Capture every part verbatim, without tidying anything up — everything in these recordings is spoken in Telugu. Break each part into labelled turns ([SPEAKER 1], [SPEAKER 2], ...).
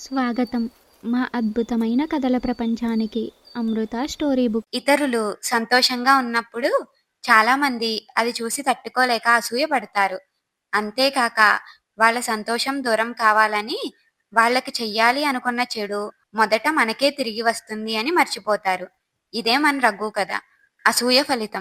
[SPEAKER 1] స్వాగతం మా అద్భుతమైన కథల ప్రపంచానికి. Amrita story book.
[SPEAKER 2] ఇతరులు సంతోషంగా ఉన్నప్పుడు చాలామంది అది చూసి తట్టుకోలేక అసూయపడతారు. అంతేకాక వాళ్ళ సంతోషం దూరం కావాలని వాళ్ళకి చెయ్యాలి అనుకున్న చెడు మొదట మనకే తిరిగి వస్తుంది అని మర్చిపోతారు. ఇదే మన రఘు కథ. అసూయ ఫలితం.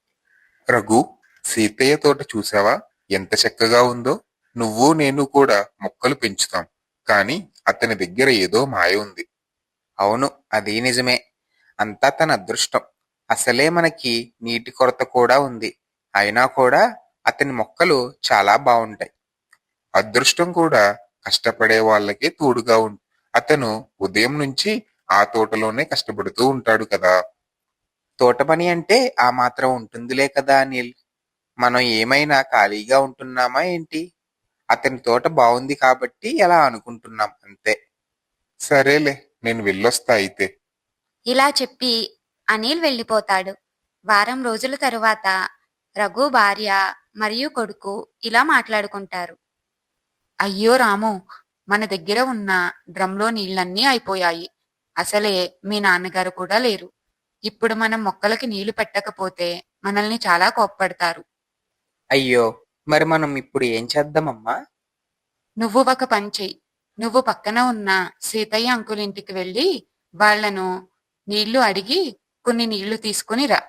[SPEAKER 3] రఘు, సీతయ్య తోట చూసావా? ఎంత చక్కగా ఉందో. నువ్వు నేను కూడా మొక్కలు పెంచుతాం, కానీ అతని దగ్గర ఏదో మాయ ఉంది.
[SPEAKER 4] అవును, అది నిజమే. అంతా తన అదృష్టం. అసలే మనకి నీటి కొరత కూడా ఉంది. అయినా కూడా అతని మొక్కలు చాలా బాగుంటాయి.
[SPEAKER 3] అదృష్టం కూడా కష్టపడే వాళ్ళకే తోడుగా ఉంది. అతను ఉదయం నుంచి ఆ తోటలోనే కష్టపడుతూ ఉంటాడు కదా.
[SPEAKER 4] తోట పని అంటే ఆ మాత్రం ఉంటుందిలే కదా అనిల్. మనం ఏమైనా ఖాళీగా ఉంటున్నామా ఏంటి? అతని తోట బాగుంది కాబట్టి ఎలా అనుకుంటున్నాం అంతే.
[SPEAKER 3] సరేలే, నేను వెళ్ళొస్తా అయితే.
[SPEAKER 2] ఇలా చెప్పి అనిల్ వెళ్ళిపోతాడు. వారం రోజుల తరువాత రఘు భార్య మరియు కొడుకు ఇలా మాట్లాడుకుంటారు. అయ్యో రాము, మన దగ్గర ఉన్న డ్రమ్లో నీళ్ళన్నీ అయిపోయాయి. అసలే మీ నాన్నగారు కూడా లేరు. ఇప్పుడు మనం మొక్కలకి నీళ్లు పెట్టకపోతే మనల్ని చాలా కోప్పడతారు.
[SPEAKER 4] అయ్యో, మరి మనం ఇప్పుడు ఏం చేద్దామమ్మా?
[SPEAKER 2] నువ్వు ఒక పని చెయ్యి. నువ్వు పక్కన ఉన్న సీతయ్య అంకుల్ ఇంటికి వెళ్ళి వాళ్లను నీళ్లు అడిగి కొన్ని నీళ్లు తీసుకుని రా.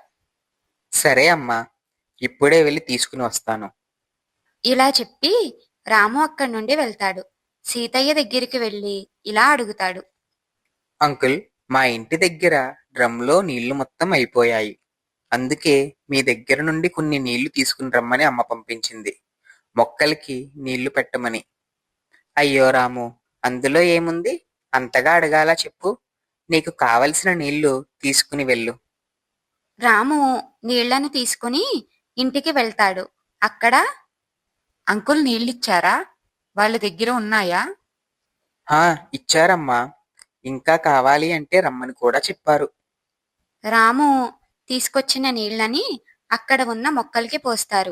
[SPEAKER 4] సరే అమ్మా, ఇప్పుడే వెళ్ళి తీసుకుని వస్తాను.
[SPEAKER 2] ఇలా చెప్పి రాము అక్కడి నుండి వెళ్తాడు. సీతయ్య దగ్గరికి వెళ్ళి ఇలా అడుగుతాడు.
[SPEAKER 4] అంకుల్, మా ఇంటి దగ్గర డ్రమ్లో నీళ్లు మొత్తం అయిపోయాయి. అందుకే మీ దగ్గర నుండి కొన్ని నీళ్లు తీసుకుని రమ్మని అమ్మ పంపించింది, మొక్కలకి నీళ్లు పెట్టమని. అయ్యో రాము, అందులో ఏముంది? అంతగా అడగాల చెప్పు. నీకు కావలసిన నీళ్లు తీసుకుని వెళ్ళు.
[SPEAKER 2] రాము నీళ్లను తీసుకుని ఇంటికి వెళ్తాడు. అక్కడ అంకుల్ నీళ్ళిచ్చారా? వాళ్ళ దగ్గర ఉన్నాయా?
[SPEAKER 4] హా, ఇచ్చారమ్మా. ఇంకా కావాలి అంటే రమ్మని కూడా చెప్పారు.
[SPEAKER 2] రాము తీసుకొచ్చిన నీళ్ళని అక్కడ ఉన్న మొక్కలకి పోస్తారు.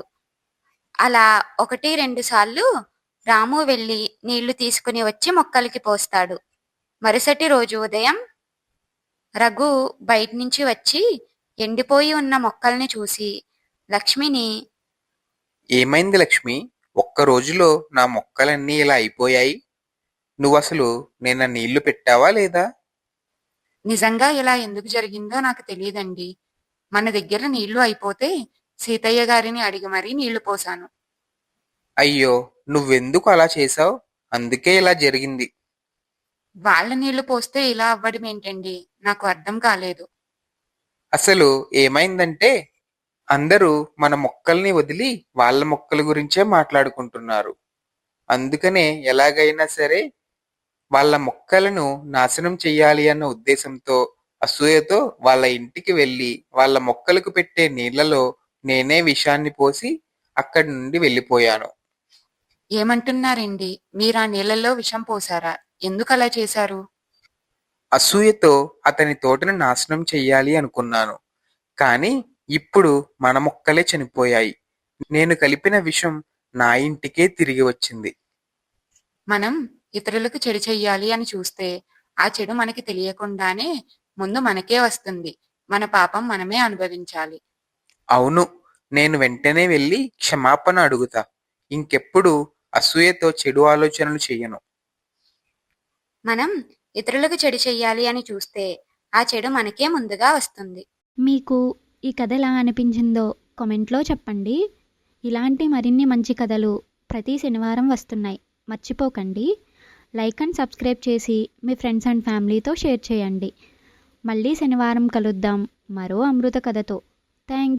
[SPEAKER 2] అలా ఒకటి రెండు సార్లు రాము వెళ్ళి నీళ్లు తీసుకుని వచ్చి మొక్కలకి పోస్తాడు. మరుసటి రోజు ఉదయం రఘు బయట నుంచి వచ్చి ఎండిపోయి ఉన్న మొక్కల్ని చూసి లక్ష్మిని,
[SPEAKER 4] ఏమైంది లక్ష్మి? ఒక్క రోజులో నా మొక్కలన్నీ ఇలా అయిపోయాయి. నువ్వసలు నిన్న నీళ్లు పెట్టావా లేదా?
[SPEAKER 2] నిజంగా ఇలా ఎందుకు జరిగిందో నాకు తెలియదండి. మన దగ్గర నీళ్లు అయిపోతే సీతయ్య గారిని అడిగి మరీ నీళ్లు పోసాను.
[SPEAKER 4] అయ్యో, నువ్వెందుకు అలా చేశావు? అందుకే ఇలా జరిగింది.
[SPEAKER 2] వాళ్ళ నీళ్లు పోస్తే ఇలా అవ్వడం ఏంటండి? నాకు అర్థం కాలేదు.
[SPEAKER 4] అసలు ఏమైందంటే అందరూ మన మొక్కల్ని వదిలి వాళ్ళ మొక్కల గురించే మాట్లాడుకుంటున్నారు. అందుకనే ఎలాగైనా సరే వాళ్ళ మొక్కలను నాశనం చెయ్యాలి అన్న ఉద్దేశంతో, అసూయతో వాళ్ళ ఇంటికి వెళ్ళి వాళ్ళ మొక్కలకు పెట్టే నీళ్లలో నేనే విషాన్ని పోసి అక్కడి నుండి వెళ్ళిపోయాను.
[SPEAKER 2] ఏమంటున్నారండి? మీరు ఆ నీళ్లలో విషం పోసారా? ఎందుకు అలా చేశారు?
[SPEAKER 4] అసూయతో అతని తోటను నాశనం చెయ్యాలి అనుకున్నాను. కానీ ఇప్పుడు మన మొక్కలే చనిపోయాయి. నేను కలిపిన విషం నా ఇంటికే తిరిగి వచ్చింది.
[SPEAKER 2] మనం ఇతరులకు చెడు చెయ్యాలి అని చూస్తే ఆ చెడు మనకి తెలియకుండానే ముందు మనకే వస్తుంది. మన పాపం మనమే అనుభవించాలి.
[SPEAKER 4] అవును, నేను వెంటనే వెళ్ళి క్షమాపణ అడుగుతా. ఇంకెప్పుడు అసూయతో చెడు ఆలోచనలు చెయ్యను.
[SPEAKER 2] మనం ఇతరులకు చెడు చెయ్యాలి అని చూస్తే ఆ చెడు మనకే ముందుగా వస్తుంది.
[SPEAKER 1] మీకు ఈ కథ ఎలా అనిపించిందో కామెంట్లో చెప్పండి. ఇలాంటి మరిన్ని మంచి కథలు ప్రతి శనివారం వస్తున్నాయి. మర్చిపోకండి. లైక్ అండ్ సబ్స్క్రైబ్ చేసి మీ ఫ్రెండ్స్ అండ్ ఫ్యామిలీతో షేర్ చేయండి. మళ్ళీ శనివారం కలుద్దాం మరో అమృత కథతో. థ్యాంక్స్.